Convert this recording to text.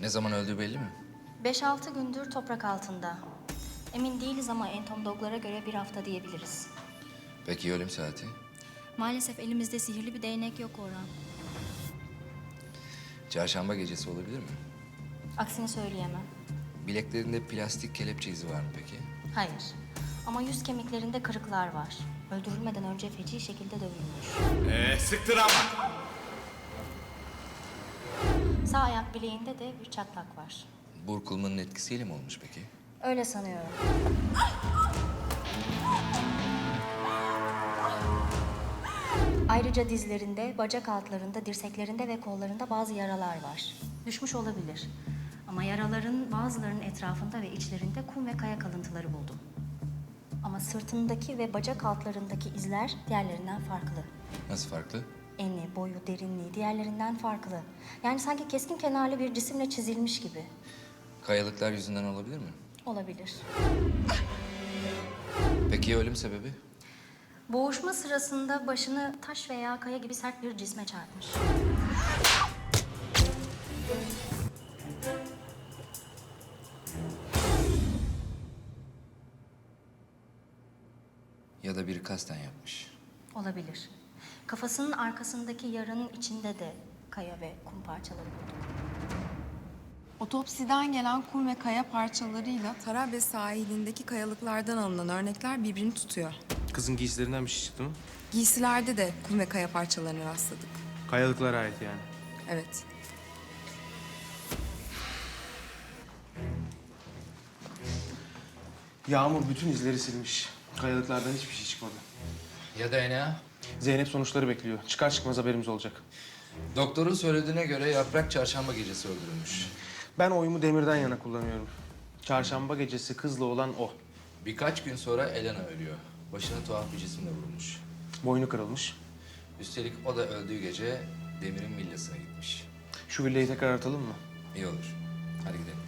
zaman öldüğü belli mi? 5-6 gündür toprak altında. Emin değiliz ama entomologlara göre 1 hafta diyebiliriz. Peki ölüm saati? Maalesef elimizde sihirli bir değnek yok Orhan. Çarşamba gecesi olabilir mi? Aksini söyleyemem. Bileklerinde plastik kelepçe izi var mı peki? Hayır. Ama yüz kemiklerinde kırıklar var. Öldürülmeden önce feci şekilde dövülmüş. Sıktır ama. Sağ ayak bileğinde de bir çatlak var. Burkulmanın etkisiyle mi olmuş peki? Öyle sanıyorum. Ayrıca dizlerinde, bacak altlarında, dirseklerinde ve kollarında bazı yaralar var. Düşmüş olabilir. Ama yaraların bazılarının etrafında ve içlerinde kum ve kaya kalıntıları buldum. Ama sırtındaki ve bacak altlarındaki izler diğerlerinden farklı. Nasıl farklı? Eni, boyu, derinliği diğerlerinden farklı. Yani sanki keskin kenarlı bir cisimle çizilmiş gibi. Kayalıklar yüzünden olabilir mi? Olabilir. Peki ölüm sebebi? Boğuşma sırasında başını taş veya kaya gibi sert bir cisme çarpmış. Ya da biri kasten yapmış. Olabilir. Kafasının arkasındaki yaranın içinde de kaya ve kum parçaları bulduk. Otopsiden gelen kum ve kaya parçalarıyla Tarabya sahilindeki kayalıklardan alınan örnekler birbirini tutuyor. Kızın giysilerinden bir şey çıktı mı? Giysilerde de kum ve kaya parçalarına rastladık. Kayalıklara ait yani. Evet. Yağmur bütün izleri silmiş. Kayalıklardan hiçbir şey çıkmadı. Ya DNA? Zeynep sonuçları bekliyor. Çıkar çıkmaz haberimiz olacak. Doktorun söylediğine göre Yaprak çarşamba gecesi öldürülmüş. Ben oyumu Demir'den yana kullanıyorum. Çarşamba gecesi kızla olan o. Birkaç gün sonra Elena ölüyor. Başına tuhaf bir cisimle vurulmuş. Boynu kırılmış. Üstelik o da öldüğü gece Demir'in villasına gitmiş. Şu villayı tekrar aratalım mı? İyi olur. Hadi gidelim.